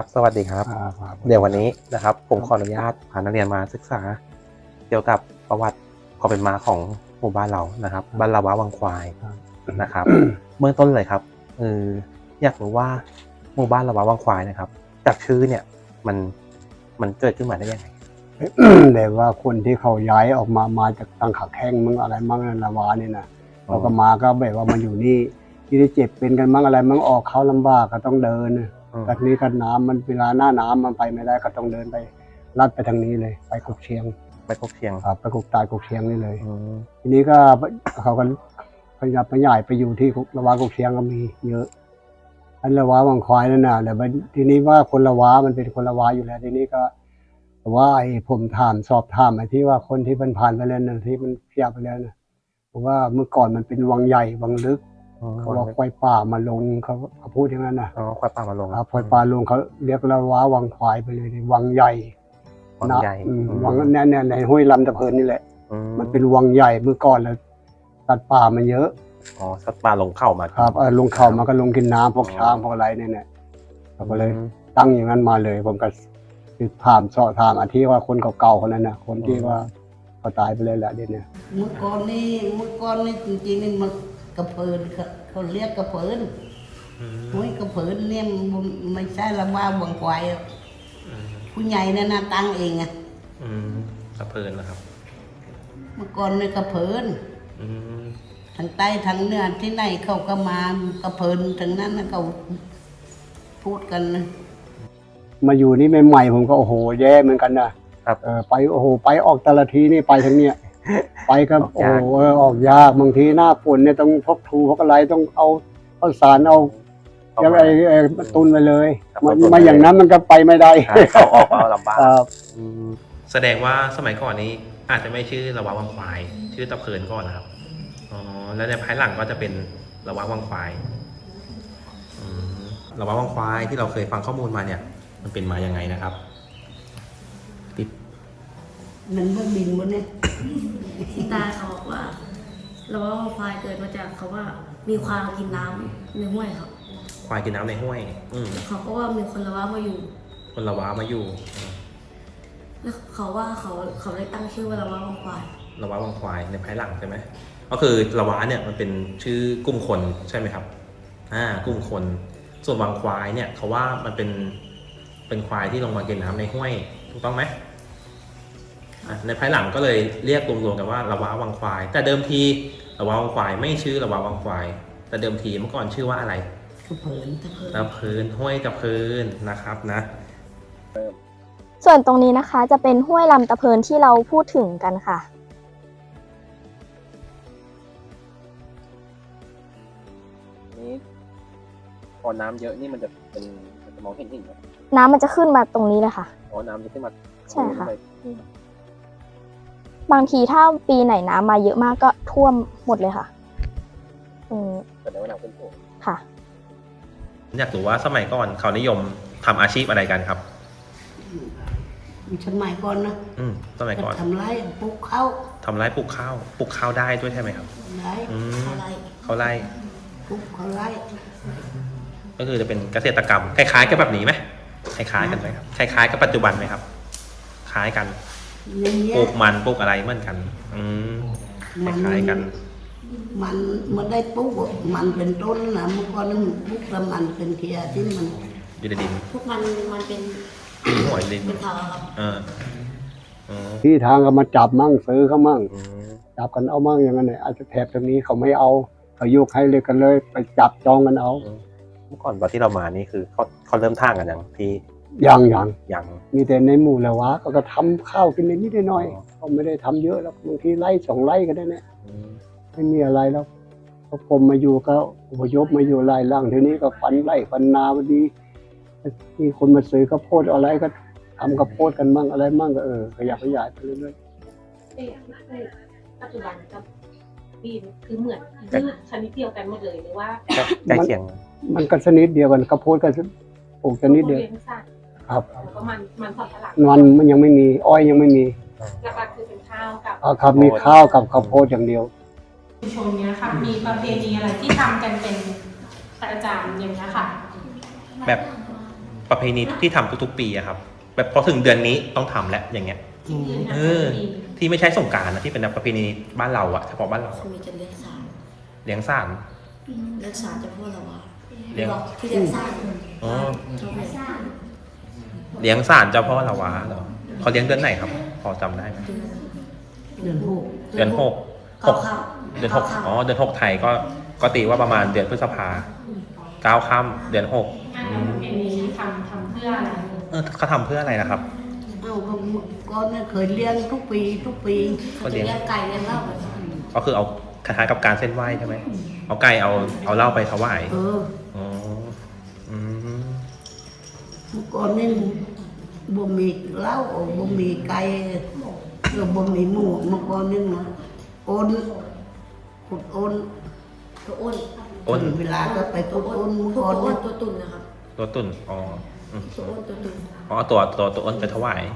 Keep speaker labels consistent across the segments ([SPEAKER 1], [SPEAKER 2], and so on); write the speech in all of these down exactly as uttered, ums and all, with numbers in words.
[SPEAKER 1] สวัสดีครับเดี๋ยววันนี้นะครับผมขออนุญาตพานักเรียนมาศึกษาเกี่ยวกับประวัติความเป็นมาของหมู่บ้านเรานะครับบ้านละวะวังควายนะครับเบื้องต้นเลยครับเอออยากรู้ว่าหมู่บ้านละวะวังควายนะครับจากชื่อเนี่ยมันมันเกิดขึ้นมาได้ยังไง
[SPEAKER 2] แต่ว่าคนที่เขาย้ายออกมามาจากตังขาแข้งมึงอะไรมั่งละวะนี่นะเราก็มาก็แบบว่ามันอยู่นี่ที่ได้เจ็บเป็นกันมั่งอะไรมั่งออกเขาลำบากก็ต้องเดินแบบนี้กันน้ำมันเวลาหน้าน้ำมันไปไม่ได้ก็ต้องเดินไปลัดไปทางนี้เลยไปกกเชียง
[SPEAKER 1] ไปกกเชียง
[SPEAKER 2] ครับไปกกตายกกเชียงนี่เลยทีนี้ก็เขาก็ขยับไปใหญ่ไปอยู่ที่ละวะกกเชียงก็มีเยอะอันละวะวังควายนั่นน่ะแต่ทีนี้ว่าคนละวะมันเป็นคนละวะอยู่แล้วทีนี้ก็ว่าไอ้ผมถามสอบถามไอ้ที่ว่าคนที่มันผ่านไปแล้วนะที่มันเพียบไปแล้วนะผมว่าเมื่อก่อนมันเป็นวังใหญ่วังลึกเขาบอกควายป่ามาลงเขาเขาพูดอย่างนั้นนะ
[SPEAKER 1] อ๋อควายป่ามาลง
[SPEAKER 2] ครับควายป่าลงเขาเรียกละวะวังควายไปเลยวังใหญ่
[SPEAKER 1] วังใหญ่
[SPEAKER 2] วังแน่ๆในห้วยลำตะเพินนี่แหละมันเป็นวังใหญ่เมื่อก่อนแล้วสัตว์ป่ามันเยอะ
[SPEAKER 1] อ๋อสัตว์ป่าลงเข้ามา
[SPEAKER 2] ครับเออลงเข้ามาก็ลงกินน้ำพวกช้างพวกอะไรเนี่ยเนี่ยเราก็เลยตั้งอย่างนั้นมาเลยผมก็คือถามสอบถามอาที่ว่าคนเก่าๆคนนั้นนะคนที่ว่าเขาตายไปเลยแหละเดี๋ยวนี้
[SPEAKER 3] เมื่อก่อนนี่เมื่อก่อนนี่จริงๆนี่มันกระเพินเขาเรียกกระเพินห้วยกระเพินเนี่ยไม่ใช่ละว่าวังควายผู้ใหญ่นั่นนะตั้งเองอ่ะ
[SPEAKER 1] กระเพินนะครับ
[SPEAKER 3] เมื่อก่อนนี่กระเพินทางใต้ทางเหนือที่ไหนเขาก็มากระเพินทางนั้นเขาพูดกันนะ
[SPEAKER 2] มาอยู่นี่ใหม่ๆผมก็โอ้โหแย่เหมือนกันนะครับเออไปโอ้โหไปออกแต่ละทีนี่ไปทางเนี้ยไปก็โอ้โหออกยากบางทีหน้าฝนเนี่ยต้องพกทูพกอะไรต้องเอาเอาสารเอายังไงตุนไปเลยมาอย่างนั้นมันก็ไปไม่ได้
[SPEAKER 1] เขาออกเอาลำบาก
[SPEAKER 4] แสดงว่าสมัยก่อนนี้อาจจะไม่ชื่อละวะวังควายชื่อตะเพินก่อนนะครับอ๋อแล้วในภายหลังก็จะเป็นละวะวังควายละวะวังควายที่เราเคยฟังข้อมูลมาเนี่ยมันเป็นมายังไงนะครับ
[SPEAKER 3] ติดมันเพิ่งบินบนเนี่ย
[SPEAKER 5] ที่ตาเขาบอกว่าละวะวังควายเกิดมาจากเขาว่ามีควายกินน้ำในห้วยครับ
[SPEAKER 4] ควายกินน้ำในห้วยอื
[SPEAKER 5] เขาก็ว่ามีคนละวะมาอยู่
[SPEAKER 4] คนละวะมาอยู่
[SPEAKER 5] แล้วเขาว่าเขาเขาเลยตั้งชื่อว่าละวะวังควาย
[SPEAKER 4] ละวะวังควายในภายหลังใช่ไหมก็คือละวะเนี่ยมันเป็นชื่อกลุ่มคนใช่ไหมครับอ่ากลุ่มคนส่วนวังควายเนี่ยเขาว่ามันเป็นเป็นควายที่ลงมากินน้ำในห้วยถูกต้องไหมในภายหลังก็เลยเรียกรวมๆกันว่าละวะวังควายแต่เดิมทีละวะวังควายไม่ชื่อละวะวังควายแต่เดิมทีเมื่อก่อนชื่อว่าอะไร
[SPEAKER 3] ตะเพินตะเพิน
[SPEAKER 4] ตะเพินห้วยตะเพินนะครับนะ
[SPEAKER 6] ส่วนตรงนี้นะคะจะเป็นห้วยลำตะเพินที่เราพูดถึงกันค่ะ
[SPEAKER 1] นี่พอน้ำเยอะนี่มันจะเป็นมันจะมองเห็นหินไหม
[SPEAKER 6] น้ำมันจะขึ้นมาตรงนี้เลยค่ะ
[SPEAKER 1] อ๋อน้ำจะขึ้นมา
[SPEAKER 6] ใช่ค่ะบางทีถ้าปีไหนน้ำมาเยอะมากก็ท่วมหมดเลยค่ะ
[SPEAKER 1] อืมแต่ในวันนั้นเป็นท่วม
[SPEAKER 6] ค่ะ
[SPEAKER 4] อยากรู้ว่าสมัยก่อนเขานิยมทำอาชีพอะไรกันครับ
[SPEAKER 3] สมัยก่อนนะ
[SPEAKER 4] อืมสมัยก่อน
[SPEAKER 3] ทำไรปลูกข้าว
[SPEAKER 4] ทำไรปลูกข้าวปลูกข้าวได้ด้วยใช่ไหมครับ
[SPEAKER 3] ได้
[SPEAKER 4] เขาไร่เขาไร่
[SPEAKER 3] ปลูกเขาไร่
[SPEAKER 4] ก็คือจะเป็นเกษตรกรรมคล้ายๆกับแบบนี้ไหมคล้ายๆกันไหมครับคล้ายๆกับปัจจุบันไหมครับคล้ายกันปลูกมันปลูกอะไรเหมือนกันอืมคล้ายๆกัน
[SPEAKER 3] มันมันได้ปลูกมันเป็นต้นนะเมื่อก่อนนั้นปลูกแล้วมันเป็นเทียที่มัน
[SPEAKER 4] อยู่ในดิน
[SPEAKER 5] พวกมันมันเป็น
[SPEAKER 4] หอยดิน
[SPEAKER 5] เป็นเถาครับ
[SPEAKER 2] ที่ทางก็มาจับมั่งซื้อเขามั่งจับกันเอามั่งอย่างนั้นเนี่ยอาจจะแถบตรงนี้เขาไม่เอาเขายกให้เลยกันเลยไปจับจองกันเอา
[SPEAKER 1] เมื่อก่อนตอนที่เรามานี่คือเขาเขาเริ่มท่างกันยังพี่
[SPEAKER 2] ยังยัง
[SPEAKER 1] ยัง
[SPEAKER 2] มีแต่ในหมู่ละวะก็ทำข้าวกินนิดๆหน่อยๆเขาไม่ได้ทำเยอะแล้วบางทีไร่สองไร่ก็ได้เนี่ยไม่มีอะไรแล้วพอผมมาอยู่ก็อพยพมาอยู่ไร่ล่างทีนี้ก็ฟันไร่ฟันนาพอดีมีคนมาซื้อข้าวโพดอะไรก็ทำข้าวโพดกันมั่งอะไรมั่งก็เออขยับขยายไปเรื่อย
[SPEAKER 7] ๆปัจจุบันกับปีนคือเหมือนคือชนิดเดียวกันหมดเลยหรือว่า
[SPEAKER 1] ใกล้เคียง
[SPEAKER 2] มันก็ชนิดเดียวกันข้าวโพดก็ปลูกชนิดเดียวครับ
[SPEAKER 7] แล้วก็มันมันสำปะหลัง
[SPEAKER 2] มันมันยังไม่มีอ้อยยังไม่มี
[SPEAKER 7] หลักๆคือเป็นข้าวกับ
[SPEAKER 2] อ๋อครับมีข้าวกับข้าวโพดอย่างเดียว
[SPEAKER 7] ชุมชนเนี้ยค่ะมีประเพณีอะไรที่ทำกันเป็นประจำอย่างเงี้ยค่ะ
[SPEAKER 4] แบบประเพณีที่ทำทุกๆปีอะครับแบบพอถึงเดือนนี้ต้องทำแล้วอย่างเงี้ย
[SPEAKER 3] อืม
[SPEAKER 4] เออ ที่ไม่ใช่สงกรานต์นะที่เป็นประเพณีบ้านเราอะเฉพาะบ้านเรา
[SPEAKER 5] จะ
[SPEAKER 4] อะ
[SPEAKER 5] มีจะเลี้ยงสาร
[SPEAKER 4] เลี้ยงสาร
[SPEAKER 5] เลี้ยงสารจะพูดเราว่า
[SPEAKER 4] เลี้ยง
[SPEAKER 5] ที่เลี้ยงสาร
[SPEAKER 4] อ๋อ
[SPEAKER 5] เราเลี้ยงสาร
[SPEAKER 4] เลี้ยงสารเจ้าพ่อละวะเหรอเขาเลี้ยงเดือนไหนครับ พอจำได้ไหม
[SPEAKER 3] เดือนหก
[SPEAKER 4] เดือนหกห
[SPEAKER 5] เก้าก ค่
[SPEAKER 4] เดือนหกอ๋อเดือนหกไทยก็ก็ตีว่าประมาณเดือนพฤษภาเก้าค่ำเดือนหก
[SPEAKER 7] งานประเพณีทำทำเพื่ออะไร
[SPEAKER 4] เออเขาทำเพื่ออะไรนะครับ
[SPEAKER 3] เอ้าก็ก่อนเนี่ยเคยเลี้ยงทุกปีทุกปี
[SPEAKER 5] เขาจะเลี้ยงไก่เลี้ยงเหล้ากัน
[SPEAKER 4] ก็คือเอาคล้ายๆกับการเส้นไหว้ใช่ไหมเอาไก่เอาเอาเหล้าไปถวาย
[SPEAKER 3] เออ
[SPEAKER 4] อ๋ออืม
[SPEAKER 3] เมื่อก่อนนี่บ่มีเหล้าบ่มีไก่เออบ่มีหมูเมื่อก่อนนี่นะโอนขุดโอน
[SPEAKER 5] ตัวอ้น
[SPEAKER 4] อ้น
[SPEAKER 3] เวลาก็ไปขุดโอนเมื่อ
[SPEAKER 5] ตัว
[SPEAKER 3] ก่อน
[SPEAKER 5] อ้
[SPEAKER 3] เนี่
[SPEAKER 5] น
[SPEAKER 3] ย
[SPEAKER 5] ตัวตุ่นนะครับ
[SPEAKER 4] ตัวตุ่นอ๋ออืม
[SPEAKER 5] ตัวอ้นตัวตุ่น
[SPEAKER 4] อ๋อเอาตัวตัวตัวอ้นไปถวาย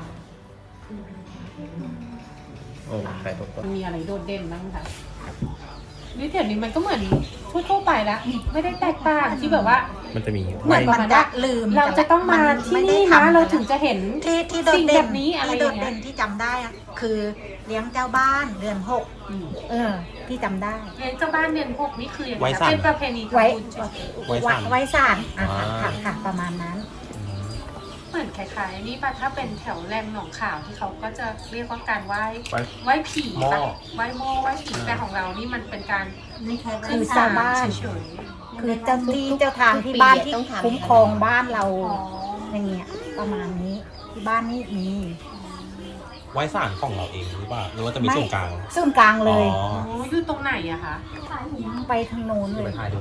[SPEAKER 4] โอ้ใช่ตัวต้น
[SPEAKER 7] มันมีอะไรโดดเด่นบ้างคะนี่เดี๋ยวนี้มันก็เหมือนทั่วๆไปแล้วไม่ได้แตกต่างที่แบบว่า
[SPEAKER 4] มันจะมี
[SPEAKER 7] เหมือนประมาณว่า
[SPEAKER 8] ลืม
[SPEAKER 7] เราจะต้องมาที่นี่นะเราถึงจะเห็น
[SPEAKER 8] ที่ที่โดด
[SPEAKER 7] สิ่ง
[SPEAKER 8] เด่
[SPEAKER 7] แบ
[SPEAKER 8] น
[SPEAKER 7] บนี้อะไร
[SPEAKER 8] ที่
[SPEAKER 7] อ
[SPEAKER 8] โด
[SPEAKER 7] ย่าง
[SPEAKER 8] ด
[SPEAKER 7] เงี้
[SPEAKER 8] เด่
[SPEAKER 7] ย
[SPEAKER 8] นที่จำได้อะคือเลี้ยงเจ้าบ้านเดือนหกเออ ที่จำได้
[SPEAKER 7] เลี้ยงเจ้าบ้านเดือนหกนี่คืออย่าง
[SPEAKER 4] ไว้
[SPEAKER 7] ไร
[SPEAKER 4] สั่น
[SPEAKER 7] เป็นประเพณี
[SPEAKER 8] ไว้
[SPEAKER 7] ทำบุญใช่ไหม
[SPEAKER 4] ไว้
[SPEAKER 8] ไว้
[SPEAKER 4] สั่น
[SPEAKER 8] ไว้สารอ่ะค่ะ
[SPEAKER 4] อ่า
[SPEAKER 8] ค่ะค่ะประมาณนั้น
[SPEAKER 7] เหมือนคล้ายๆนี่ป่ะถ้าเป็นแถวแรงหนองข่าวที่เขาก็จะเรียกว่าการไหว้
[SPEAKER 4] ไว้
[SPEAKER 7] ไหว้ผี
[SPEAKER 4] หม้อ
[SPEAKER 7] ป่ะไหว้หม้อไหว้ผีแต่ของเรานี่มันเป็นการ
[SPEAKER 8] คือเจ้าบ้าน
[SPEAKER 7] เฉย
[SPEAKER 8] คือเจ้าที่เจ้าทางที่บ้านที่คุ้มครองบ้านเรา
[SPEAKER 7] ๆอ๋อ
[SPEAKER 8] อย่างเงี้ยประมาณนี้ที่บ้านนี้มี
[SPEAKER 4] ไว้สารของเราเองหรือเปล่าหรือว่าจะมีส่วนกลาง
[SPEAKER 8] ส่วนกลางเลย
[SPEAKER 4] อ๋อ
[SPEAKER 7] โอ้อยู่ตรงไหนอะคะ
[SPEAKER 8] ไปทางโน้น
[SPEAKER 4] จะ
[SPEAKER 8] เล
[SPEAKER 4] ไป
[SPEAKER 8] ย
[SPEAKER 4] ถ่ายดู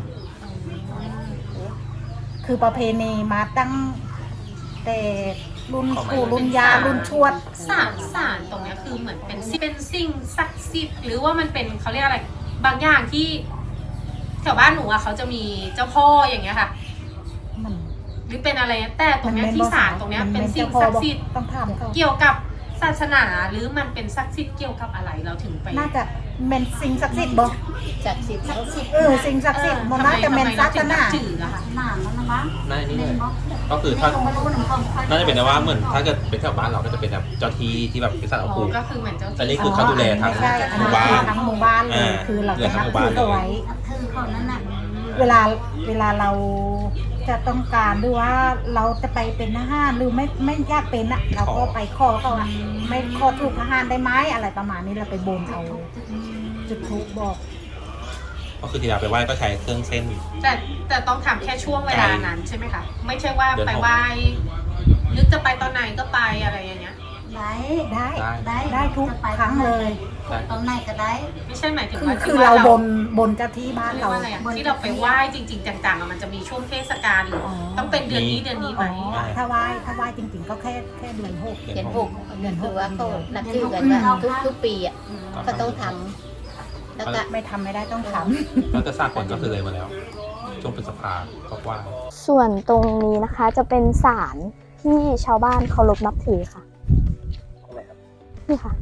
[SPEAKER 8] คือประเพณีมาตั้งแต่รุ่นปู่รุ่นยารุ่นชวด
[SPEAKER 7] สารสารตรงเนี้ยคือเหมือนเป็นสิ่งเป็นสิ่งศักดิ์สิทธิ์หรือว่ามันเป็นเขาเรียกอะไร บางอย่างที่แถวบ้านหนูอะเขาจะมีเจ้าพ่ออย่างเงี้ยค่ะ
[SPEAKER 8] มัน
[SPEAKER 7] หรือเป็นอะไรแต่ตรงเนี้ยที่ศาลตรงเนี้ยเป็นสิ่งศักดิ์สิทธิ์
[SPEAKER 8] ต้องถามเขา
[SPEAKER 7] เกี่ยวกับศาสนาหรือมันเป็นศักดิ์สิทธิ์เกี่ยวกับอะไรเราถึงไป
[SPEAKER 8] น่าจะเป็นสิ่งศักดิ์สิทธิ์บ่
[SPEAKER 5] ศักดิ์สิทธิ์ศักดิ์สิทธิ์
[SPEAKER 8] เออสิ่งศักดิ์สิทธิ์มันน่าจะเป็นศาสนา
[SPEAKER 7] ทำไมเรถึงนับถืออะค่ะ
[SPEAKER 4] น่านี่เลยก็คือถ้าน่าจะเป็นนะว่าเหมือนถ้าเกิดเป็นแถวบ้านเราก็จะเป็นแบบเจ้าที่ที่แบบเป็นสัตว์
[SPEAKER 7] อ๋
[SPEAKER 4] ภู
[SPEAKER 7] อ
[SPEAKER 4] มิ
[SPEAKER 7] ก็คือเหมือนเจ้า
[SPEAKER 4] อันนี้
[SPEAKER 7] ที่
[SPEAKER 4] คือเขาดูแลทั้ง
[SPEAKER 8] ไม่ใช่อัน
[SPEAKER 4] หมู่
[SPEAKER 8] นี้
[SPEAKER 4] บ้า
[SPEAKER 8] คือน ทั้งหมู่บ้านเลย
[SPEAKER 4] อ่า
[SPEAKER 8] คือเรา
[SPEAKER 4] เหลื
[SPEAKER 8] จะ
[SPEAKER 4] อทั้
[SPEAKER 8] นั
[SPEAKER 4] ง
[SPEAKER 8] บ
[SPEAKER 4] หมู่
[SPEAKER 8] ถื
[SPEAKER 4] บ้าน
[SPEAKER 8] อ
[SPEAKER 4] เลย
[SPEAKER 8] เขาไว้เวลาเวลาเราจะต้องการหรือว่าเราจะไปเป็นทหารหรือไม่ไม่อยากเป็นอ่ะ เราก็ไปขอเขาอ่ะไม่ขอถูกทหารได้ไหมอะไรประมาณนี้เราไปบนเอาจุดทูปบอก
[SPEAKER 4] ก็คือที่เราไปไหว้ก็ใช้เครื่องเส้น
[SPEAKER 7] แต่แต่ต้องทำแค่ช่วงเวลานั้นใช่ไหมคะไม่ใช่ว่า
[SPEAKER 4] เดือนหก
[SPEAKER 7] ไปไหว้นึกจะไปตอนไหนก็ไปอะไรอย่างเงี้ย
[SPEAKER 8] ได้ได้
[SPEAKER 4] ได้
[SPEAKER 8] ได้ทุกครั้งเลย
[SPEAKER 3] ตอนไหนก็ได้
[SPEAKER 7] ไม่ใช่หมายถึง
[SPEAKER 8] คือ
[SPEAKER 7] ว่า
[SPEAKER 8] คือ
[SPEAKER 7] ที่ว่
[SPEAKER 8] เราบนบนเจ้าที่บ้าน
[SPEAKER 7] เรียก
[SPEAKER 8] เรา
[SPEAKER 7] ว่าอะไรอะที่เราไปไหว้จริง ๆ จังๆอะมันจะมีช่วงเทศกาลหรืออ
[SPEAKER 8] อ
[SPEAKER 7] ต้องเป็นเดือนนี้เดือนนี้ไหม
[SPEAKER 8] อ๋อถ้าไหว้ถ้าไหว้จริง ๆ ก็แค่แค่เดือนหก
[SPEAKER 5] เดือนหก
[SPEAKER 8] เดือนห
[SPEAKER 5] คื
[SPEAKER 8] ก
[SPEAKER 5] อว่าเขานับถือกันว่าทุกทุกปีอ่ะก็ต้องทำแล้วก็
[SPEAKER 8] ไม่ทำไม่ได้ต้องท
[SPEAKER 4] แล้วจะสร้างผลก็คือเลยมาแล้ว ช่วงพฤษภาก็ว่า
[SPEAKER 6] ส่วนตรงนี้นะคะจะเป็นศาลที่ชาวบ้านเคารพนับถือค่ะ นี่ค่ะ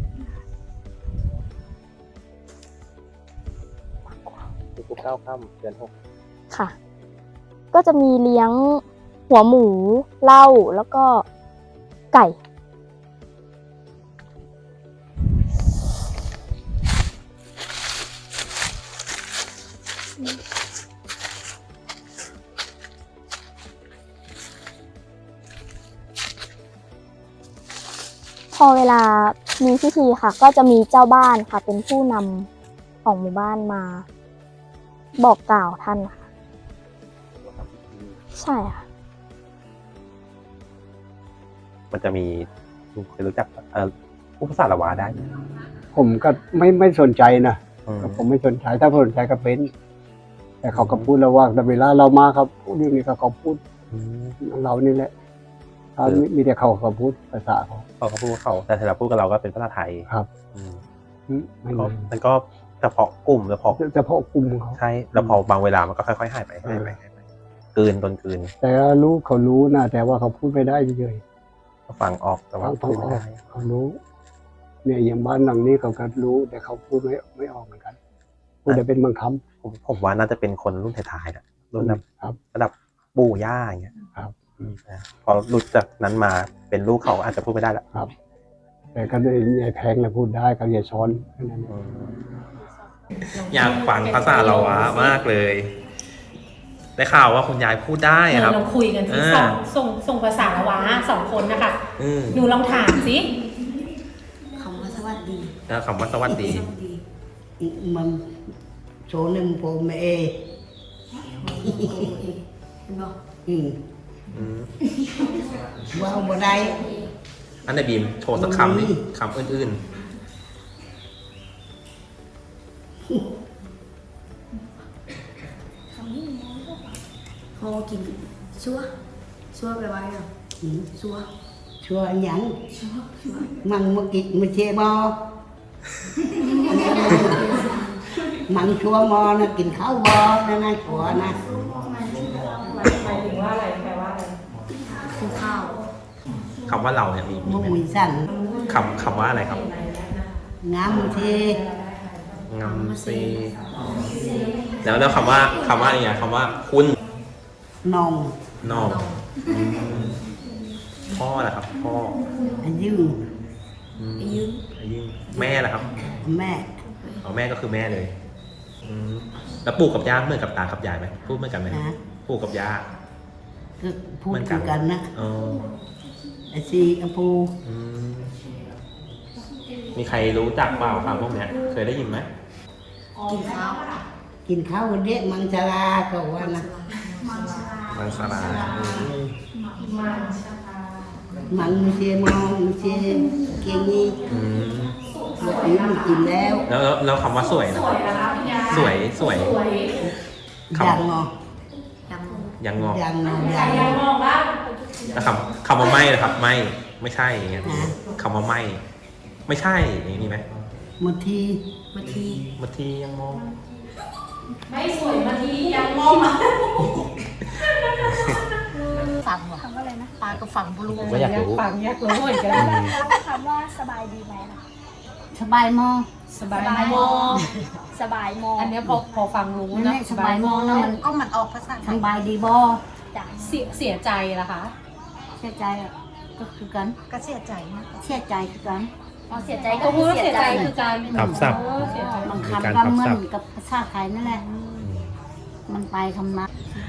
[SPEAKER 1] ทุกเก้าค่ำเดือนหก
[SPEAKER 6] ค่ะ ก็จะมีเลี้ยงหัวหมูเหล้าแล้วก็ไก่ พอเวลามีพิธีค่ะ ก็จะมีเจ้าบ้านค่ะ เป็นผู้นำของหมู่บ้านมา บอกกล่าวท่านค่ะ ใช่ค่ะ
[SPEAKER 1] มันจะมีคุณเคยรู้จักเอ่อผู้ภาษาละวาได้ไหม
[SPEAKER 2] ผมก็ไม่ไม่สนใจนะ
[SPEAKER 1] อืม
[SPEAKER 2] ผมไม่สนใจถ้าสนใจก็เป็น แต่เขาก็พูดแล้วว่าแต่เวลาเรามาครับพูดเรื่องนี้ก็เขาพูด
[SPEAKER 1] อืม
[SPEAKER 2] เรานี่แหละถ้ามีมีแต่เขาเขาพูดภาษาเขา
[SPEAKER 1] เขาก็พูดเขาแต่ถ้าเราพูดกับเราก็เป็นภาษาไทย
[SPEAKER 2] ครับ
[SPEAKER 1] อืม
[SPEAKER 2] อืมไม่
[SPEAKER 1] ก็
[SPEAKER 2] มี
[SPEAKER 1] มันก็เฉพาะกลุ่มเฉพาะ
[SPEAKER 2] เฉพาะกลุ่มเขา
[SPEAKER 1] ใช่แล้วพอบางเวลามันก็ค่อยๆหายไปหายไปหายไปกลืนตนกลืน
[SPEAKER 2] แต่รู้เขารู้นะแต่ว่าเขาพูดไม่ได้เฉย
[SPEAKER 1] ก็ฟังออกแต่
[SPEAKER 2] ๆ
[SPEAKER 1] ว่า
[SPEAKER 2] เขา
[SPEAKER 1] พู
[SPEAKER 2] ฟั
[SPEAKER 1] ด
[SPEAKER 2] งอ
[SPEAKER 1] ไม่
[SPEAKER 2] อก
[SPEAKER 1] ได้
[SPEAKER 2] เขารู้ เนี่ยอย่างบ้านหลังนี้เขาก็รู้ แต่เขาพูดไม่ไม่ออกเหมือนกันพูดได้เป็นบางค
[SPEAKER 1] ผมผมว่าน่าจะเป็นคนรุ่นท้ายๆนะรุ่นแบบ
[SPEAKER 2] ำครับ
[SPEAKER 1] ระดับปู่ย่าอย่างเงี้ย
[SPEAKER 2] ครับ
[SPEAKER 1] นพอหลุดจากนั้นมาเป็นลูกเขาอาจจะพูดไม่ได้ละ
[SPEAKER 2] ครับ แต่ก็ยายแพงนะพูดได้กับยายช้อนแค่นั้นเอง
[SPEAKER 4] อยากฟังภาษาละวะมากเลย ได้ข่าวว่าคุณยายพูดได้
[SPEAKER 7] เออ
[SPEAKER 4] ครับ
[SPEAKER 7] เราคุยกันที่
[SPEAKER 4] อ่า
[SPEAKER 7] สองส่งส่งภาษาละวะสองคนนะคะ
[SPEAKER 4] อืม
[SPEAKER 7] หนูลองถามสิ
[SPEAKER 5] คำว่าสวัสดี
[SPEAKER 4] แล้วคำว่าสวัสดี
[SPEAKER 5] สวัสดี
[SPEAKER 3] มันโซนึงโปเมเอ
[SPEAKER 5] เห็นบอก
[SPEAKER 3] อืม
[SPEAKER 4] อืม
[SPEAKER 3] ว้าวบ่ได้
[SPEAKER 4] อันไหนบีมโชว์สักคำนี่คำอื่น
[SPEAKER 5] พอกินชัวชัวไปไว้เหรอ
[SPEAKER 3] อืม
[SPEAKER 5] ชัว
[SPEAKER 3] ชัวร์หยัง
[SPEAKER 5] ชัวชัว
[SPEAKER 3] มันมากินมาเชบอมันชัวร์มอนะกินข้าวบอนะนะชัวร์นะ
[SPEAKER 7] หมายถึงว่าอะไรแปลว่าอะไร
[SPEAKER 5] กินข้าว
[SPEAKER 4] ๆคำว่าเราเนี่ยมีมี
[SPEAKER 3] มุก
[SPEAKER 4] ไหม
[SPEAKER 3] มีสั่น
[SPEAKER 4] คำคำว่าอะไรครับ
[SPEAKER 3] งามมาเช
[SPEAKER 4] งำซีแล้วแล้วคำว่าคำว่าอะไรอย่างคำว่าคุณ
[SPEAKER 3] นอง
[SPEAKER 4] นอกอืมพ่อแหละครับ พ่อ
[SPEAKER 3] อายุ
[SPEAKER 4] อืม
[SPEAKER 5] ไปยืม
[SPEAKER 4] อายุแม่แหละครับ
[SPEAKER 3] แม่
[SPEAKER 4] เอาแม่ก็คือแม่เลยอืมแล้วปู่กับย่าเหมือนกับตากับยายไหมพูดเหมือนกันไหม
[SPEAKER 3] นะ
[SPEAKER 4] ปู่กับย่า
[SPEAKER 3] ก็พูดคือกันนะ
[SPEAKER 4] อ๋อ
[SPEAKER 3] ไอซีอปู
[SPEAKER 4] อืมมีใครรู้จักเปล่าคำพวกเนี้ย เคยได้ยินไหม
[SPEAKER 5] กินข้าว
[SPEAKER 3] กินข้าวเด็กมังชาลาก็ว่านะ
[SPEAKER 4] มังสลาอืม
[SPEAKER 3] มันไม่เชมองไม่เชเก่งนี่
[SPEAKER 4] อืม
[SPEAKER 3] ลูกอื่นไม่กินแล้ว
[SPEAKER 4] แล้วแล้วแล้วคำว่าสวยนะสวยสวยค
[SPEAKER 3] ยังงอ
[SPEAKER 5] ยัง
[SPEAKER 4] ำยังงอก
[SPEAKER 3] ยังงอยังงอ
[SPEAKER 4] แล้วคำคำว่าไม่นะครับ ไม่ไม่ใช่อย่างเงี้ย
[SPEAKER 3] อ่า
[SPEAKER 4] คำว่าไม่ ไม่ใช่อย่างนี้มีไหม
[SPEAKER 3] มาที
[SPEAKER 5] มาที
[SPEAKER 4] บางทียังมอง
[SPEAKER 7] ไม่สวยมาทียังมอง
[SPEAKER 8] ฟังว่ะปลาก็ฟังบุรุษ
[SPEAKER 1] ผมก็อยากรู้
[SPEAKER 7] ฟังอยากรู้เหมือนกัน
[SPEAKER 6] คำว่าสบายดีไหมคะ
[SPEAKER 3] สบายมอ
[SPEAKER 7] สบายมอง
[SPEAKER 6] สบายมอง
[SPEAKER 7] อันเนี้ยพอพอฟังรู้
[SPEAKER 3] นั่น
[SPEAKER 7] นะ
[SPEAKER 3] แหละสบายมอนะมัน
[SPEAKER 8] ก็มันออกภาษาไท
[SPEAKER 3] ส
[SPEAKER 8] ย
[SPEAKER 3] บายดีบอ
[SPEAKER 6] จ้ะ
[SPEAKER 7] เสียเสียใจล่ะคะ
[SPEAKER 3] เสียใจอ่ะก็คือกัน
[SPEAKER 8] ก็เสียใจนะ
[SPEAKER 3] เสียใจคือกัน
[SPEAKER 6] อ๋อเสียใจ
[SPEAKER 7] ก็พูดว่าเสียใจคือการ
[SPEAKER 4] ทับศัพท์
[SPEAKER 7] เออเสียใจ
[SPEAKER 3] บาง
[SPEAKER 4] มีการ
[SPEAKER 3] คำก็
[SPEAKER 4] ทับ
[SPEAKER 3] เหมือ
[SPEAKER 4] ศั
[SPEAKER 3] น
[SPEAKER 4] พท์
[SPEAKER 3] กับภาษาไทยนั่นแหละ มันไปคำนั้น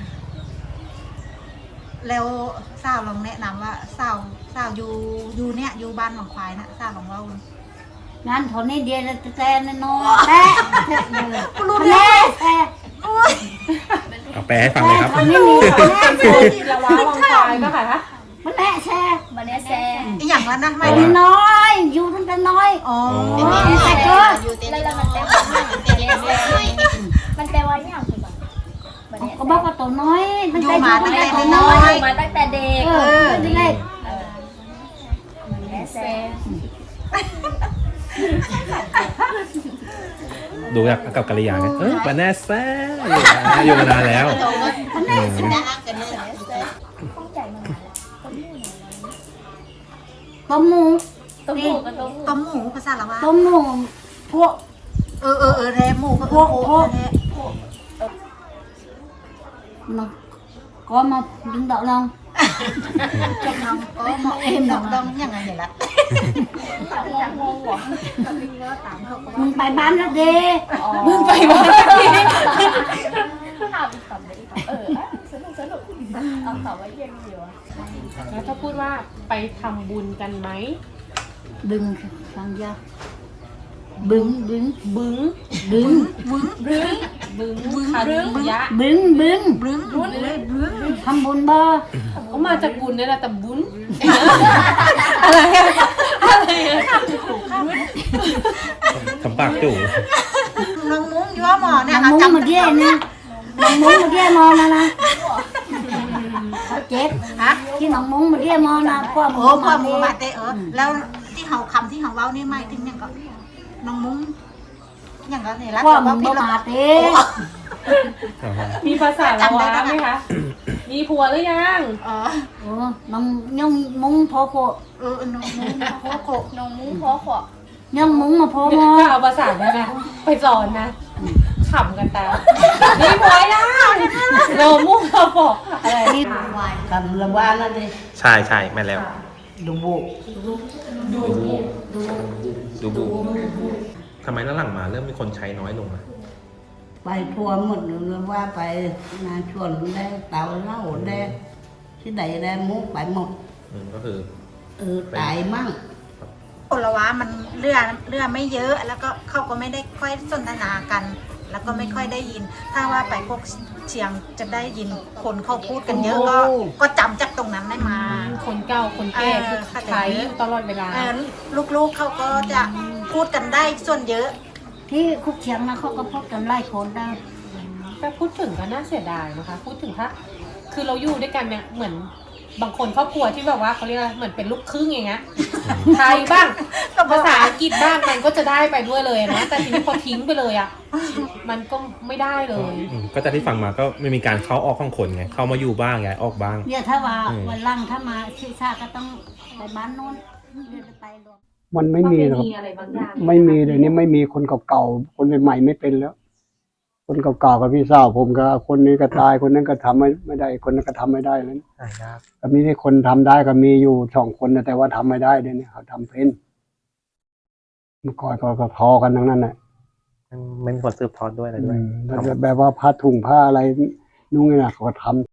[SPEAKER 8] แล้วสาวลองแนะนำว่าสาวสาวอยู่อยู่เนี่ยอยู่บ้านหนองควายนะสาวลองเล่า
[SPEAKER 3] งานทนนี้เดียวแต่แต่น้อยแต่
[SPEAKER 8] รู้
[SPEAKER 3] แม่แต่
[SPEAKER 4] เอาแปลให้ฟังเลยครับ
[SPEAKER 3] ทำไม่มีแม่
[SPEAKER 7] ละว้าวังควายก็ค่ะ
[SPEAKER 3] มันแม่แช่
[SPEAKER 6] บันเนี้ยแซ
[SPEAKER 8] อีหยังแล้วนะไม่
[SPEAKER 3] ไม่น้อย อยู่ตั้งแต่น้อย
[SPEAKER 8] อ๋อ
[SPEAKER 3] แต่ก็
[SPEAKER 6] แล้วแล้วมันแปลว่ามันแปลว่าอย่างคือแบบบันเนี้ย
[SPEAKER 3] ก็บอกว่าตัวน้อยตั้ง
[SPEAKER 8] อยู่
[SPEAKER 3] แต่
[SPEAKER 8] มา
[SPEAKER 3] อยู่
[SPEAKER 8] ตั้
[SPEAKER 3] ตั้
[SPEAKER 8] ง
[SPEAKER 3] ง
[SPEAKER 8] แต่
[SPEAKER 3] แต่
[SPEAKER 8] น้
[SPEAKER 3] น้
[SPEAKER 8] อ
[SPEAKER 3] อย ย
[SPEAKER 6] มาตั้งแต่เด็ก
[SPEAKER 3] เออตั้งแต่เด็ก
[SPEAKER 6] บันเนี้ยแซ
[SPEAKER 4] ดูจากกับกัลยาไงเออปาแน่แซ่อยู่มานานแล้ว
[SPEAKER 6] ข้องใจมานานแล้ว
[SPEAKER 3] ต้มหมู
[SPEAKER 6] ต้มหมูกับต้มหมู
[SPEAKER 8] ต้มหมูภาษาละว่า
[SPEAKER 3] ต้มหมูพวก
[SPEAKER 8] เออเออเออแท้หมูก็
[SPEAKER 3] พวกพวก
[SPEAKER 8] แท้
[SPEAKER 3] nó có một đứng đậu lông
[SPEAKER 8] จับน้องก็เหมาะเอ็มดองดองยังไงเห็นละ
[SPEAKER 6] งงเหรอ
[SPEAKER 3] mình phải bán ra đi
[SPEAKER 7] มึงไปบ้านพี่
[SPEAKER 6] ถามอีกคำเลยอีกคำเออสนุกสนุกเอาคำว่าเย็นอยู่อะ
[SPEAKER 7] แล้วถ้าพูดว่าไปทำบุญกันไหม
[SPEAKER 3] đừng sang ra bứng bứng
[SPEAKER 7] บึ้ง
[SPEAKER 3] bứng
[SPEAKER 7] บึ้งบึ้งคันยะ
[SPEAKER 3] bứng bứng
[SPEAKER 8] บึ้งบึ้งเลยบึ้ง
[SPEAKER 3] thăm bún bò
[SPEAKER 7] ก็มาจากบุญนี่แหละแต่บุญอะไรอะอะไรอะ
[SPEAKER 4] ทำปากจู่
[SPEAKER 8] น้องมุ้งยั่วหมอเนี่ย
[SPEAKER 3] nằm muốn mà ghê nè nằm muốn mà ghê mò nè nè chết
[SPEAKER 8] ฮะ
[SPEAKER 3] chứ nằm muốn mà ghê mò nè qua
[SPEAKER 8] โอ้
[SPEAKER 3] mùa
[SPEAKER 8] พ่อ
[SPEAKER 3] mà
[SPEAKER 8] หมู
[SPEAKER 3] đi
[SPEAKER 8] บาดเตเออแล้วที่เขาคำที่เขาเว้านี่ไม่ถึงยังก็น้องมุ้งอย่างก็เนี่ยรัก
[SPEAKER 3] qua
[SPEAKER 8] ว่า
[SPEAKER 3] mùa
[SPEAKER 8] พี่
[SPEAKER 3] mà
[SPEAKER 8] ละ
[SPEAKER 3] đi
[SPEAKER 7] มีภาษาละวะไหมคะ มีผัวหรือยัง
[SPEAKER 8] เออ
[SPEAKER 3] ừ, nằm nhung muốn phô phô
[SPEAKER 8] เออน้องมุ้งโคโก
[SPEAKER 6] น้องมุ้งพอขวบ
[SPEAKER 3] nhung muốn mà phô
[SPEAKER 7] ก็
[SPEAKER 3] mò
[SPEAKER 7] เอาภาษาได้ไหมไปสอนนะขำกันตามมีผัวยังเรามุ่งเราบอกอะไร
[SPEAKER 3] นี่คำละว่านั่นเลย
[SPEAKER 4] ใช่ใช่แม่นแล้ว
[SPEAKER 3] ดูบุ
[SPEAKER 4] ดูบูดูบูทำไมหลังๆมาเริ่มมีคนใช้น้อยลงอ่ะ
[SPEAKER 3] ไปทัวร์หมดเลยว่าไปนาชวนได้เตาเหล้าได้ที่ใดได้มุกไปหมด
[SPEAKER 4] อืมก็คือ
[SPEAKER 3] เออตายมั่ง
[SPEAKER 8] คนละว้ามันเลื่อเลื่อไม่เยอะ แล้วก็เขาก็ไม่ได้ค่อยสนทนากัน แล้วก็ไม่ค่อยได้ยิน ถ้าว่าไปพวกเชียงจะได้ยินคนเขาพูดกันเยอะก็ก็จำจากตรงนั้นได้มา
[SPEAKER 7] คนเก่าคนแก่คือใช้อยู่ตลอดเวลา
[SPEAKER 8] เออลูกๆเขาก็จะพูดกันได้ส่วนเยอะ
[SPEAKER 3] ที่คุกเชียงนะเขาก็พูดกันไล่คนได้
[SPEAKER 7] แต่พูดถึงก็น่าเสียดายนะคะ พูดถึงถ้าคือเราอยู่ด้วยกันเนี่ยเหมือนบางคนครอบครัวที่แบบว่าเขาเรียกอะไรเหมือนเป็นลูกครึ่งอย่างเงี้ยไทยบ้างภาษาอังกฤษบ้างมันก็จะได้ไปด้วยเลยนะแต่ทีนี้พอทิ้งไปเลยอ่ะมันก็ไม่ได้เลย
[SPEAKER 4] อืมก็จะที่ฟังมาก็ไม่มีการเข้าออกของคนไง เข้ามาอยู่บ้างย้ายออกบ้าง
[SPEAKER 3] เนี่ยถ้าว่า
[SPEAKER 4] อืม
[SPEAKER 3] วันหล่างถ้ามาชิชาก็ต้องไปบ้านโน้นเดี๋ยวจะไปรวม
[SPEAKER 2] มันไม่มีหรอก
[SPEAKER 7] อะไรบางอย่าง
[SPEAKER 2] ไม่มีเลยนี่ไม่มีคนเก่าๆคนใหม่ๆไม่เป็นแล้ว คนเก่าๆกับพี่สาวผมก็คนนี้ก็ตายคนนั้นก็ทำไม่ไม่ได้ คนนั้นก็ทำไม่ได้แล้ว
[SPEAKER 1] หายาก
[SPEAKER 2] ก็มีที่คนทำได้ก็มีอยู่สองคนนะแต่ว่าทำไม่ได้เดี๋ยวนี้เขาทำเป็นเมื่อก่อนก็ก็พอกันทั้งนั้นแหละ
[SPEAKER 1] ไม่มีคนสืบทอดด้วยอะไรด้วย
[SPEAKER 2] อืมแล้วแบบว่าผ้าถุงผ้าอะไรนุ่งนี่นะเขาก็ทำ